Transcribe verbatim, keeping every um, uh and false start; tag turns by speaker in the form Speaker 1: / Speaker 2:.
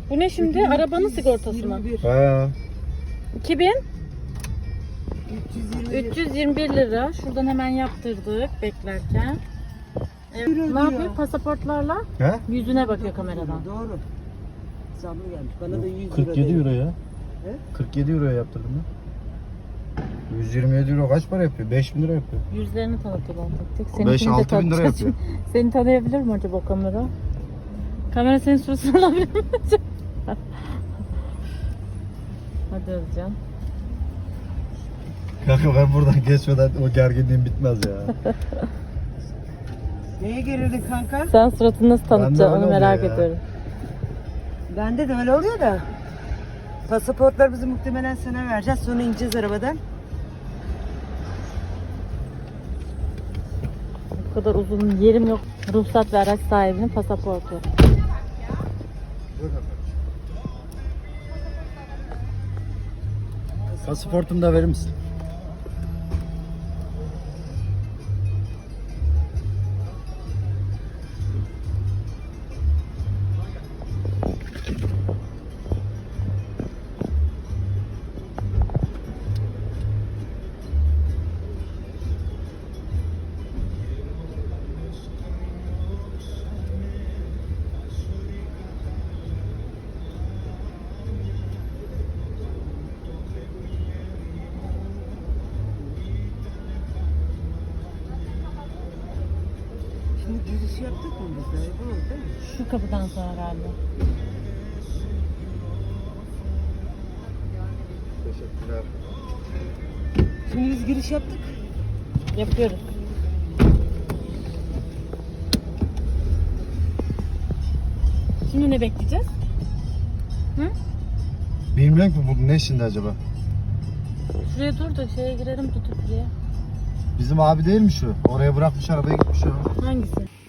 Speaker 1: Bu ne şimdi? Arabanın sigortası mı?
Speaker 2: He.
Speaker 1: iki bin üç yüz yirmi bir lira. Şuradan hemen yaptırdık beklerken. Evet. Ne yapıyor? Pasaportlarla
Speaker 2: He?
Speaker 1: yüzüne bakıyor kameradan.
Speaker 3: Doğru. Zamlı gelmiş. Bana da yüz lira.
Speaker 2: kırk yedi
Speaker 3: dedi.
Speaker 2: euro ya.
Speaker 3: He?
Speaker 2: kırk yedi euroya yaptırdım ben. yüz yirmi yedi euro kaç para yapıyor? beş bin lira yapıyor.
Speaker 1: Yüzlerini tanıtıyor tek tek.
Speaker 2: beş
Speaker 1: Seninkini de
Speaker 2: altı bin lira
Speaker 1: tanıtacağız.
Speaker 2: yapıyor.
Speaker 1: Seni tanıyabilir mi acaba o kamera? Kamera senin suratını alabilir mi acaba? Hadi Özcan.
Speaker 2: Kanka ben buradan geçmeden o gerginliğim bitmez ya.
Speaker 3: Neye gerildin kanka?
Speaker 1: Sen suratını nasıl tanıtacaksın
Speaker 2: öyle
Speaker 1: onu merak
Speaker 2: oluyor ya.
Speaker 1: ediyorum.
Speaker 3: Bende de öyle oluyor da. Pasaportlarımızı muhtemelen sana vereceğiz. Sonra ineceğiz arabadan.
Speaker 1: Bu kadar uzun yerim yok. Ruhsat ve araç sahibinin pasaportu.
Speaker 2: Pasaportumu da verir misin?
Speaker 3: Şimdi girişi yaptık mı biz de? Bu oldu değil mi?
Speaker 1: Şu kapıdan sonra galiba.
Speaker 2: Teşekkürler.
Speaker 3: Şimdi biz giriş yaptık.
Speaker 1: Yapıyoruz. Şimdi ne bekleyeceğiz? Hı?
Speaker 2: Bilmiyorum ki bu ne şimdi acaba?
Speaker 1: Şuraya dur da şeye girelim tutup buraya.
Speaker 2: Bizim abi değil mi şu? Oraya bırakmış arabayı gitmiş ya.
Speaker 1: Hangisi?